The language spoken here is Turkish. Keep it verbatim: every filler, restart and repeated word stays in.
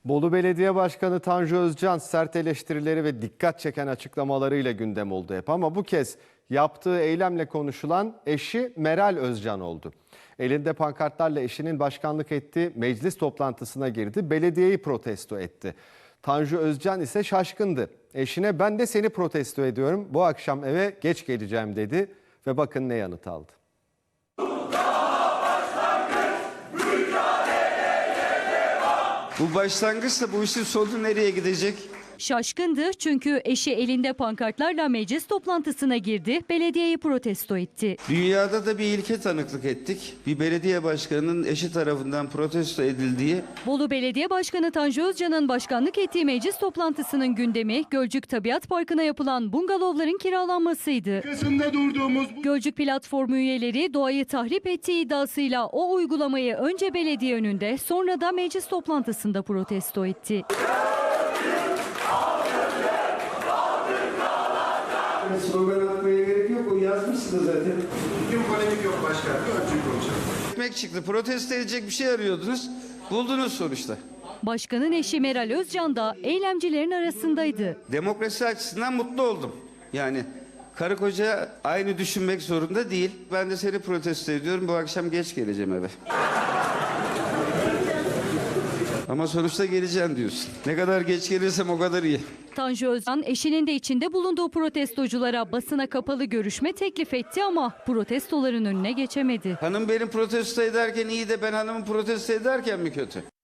Bolu Belediye Başkanı Tanju Özcan sert eleştirileri ve dikkat çeken açıklamalarıyla gündem oldu hep. Ama bu kez yaptığı eylemle konuşulan eşi Meral Özcan oldu. Elinde pankartlarla eşinin başkanlık ettiği meclis toplantısına girdi, belediyeyi protesto etti. Tanju Özcan ise şaşkındı. Eşine ben de seni protesto ediyorum, bu akşam eve geç geleceğim dedi ve bakın ne yanıt aldı. Bu başlangıçla bu işin sonu nereye gidecek? Şaşkındı çünkü eşi elinde pankartlarla meclis toplantısına girdi, belediyeyi protesto etti. Dünyada da bir ilke tanıklık ettik. Bir belediye başkanının eşi tarafından protesto edildiği. Bolu Belediye Başkanı Tanju Özcan'ın başkanlık ettiği meclis toplantısının gündemi Gölcük Tabiat Parkı'na yapılan bungalovların kiralanmasıydı. durduğumuz Gölcük platformu üyeleri doğayı tahrip ettiği iddiasıyla o uygulamayı önce belediye önünde sonra da meclis toplantısında protesto etti. Slogan atmaya gerek yok, o yazmışsınız zaten. Bugün polemik yok başkanım. Ölçük olacak. Ekmek çıktı, protesto edecek bir şey arıyordunuz, buldunuz sonuçta. Başkanın eşi Meral Özcan da eylemcilerin arasındaydı. Demokrasi açısından mutlu oldum. Yani karı koca aynı düşünmek zorunda değil. Ben de seni protesto ediyorum, bu akşam geç geleceğim eve. Ama sonuçta geleceğim diyorsun. Ne kadar geç gelirsem o kadar iyi. Tanju Özcan eşinin de içinde bulunduğu protestoculara basına kapalı görüşme teklif etti ama protestoların önüne geçemedi. Hanım benim protesto ederken iyi de ben hanımı protesto ederken mi kötü?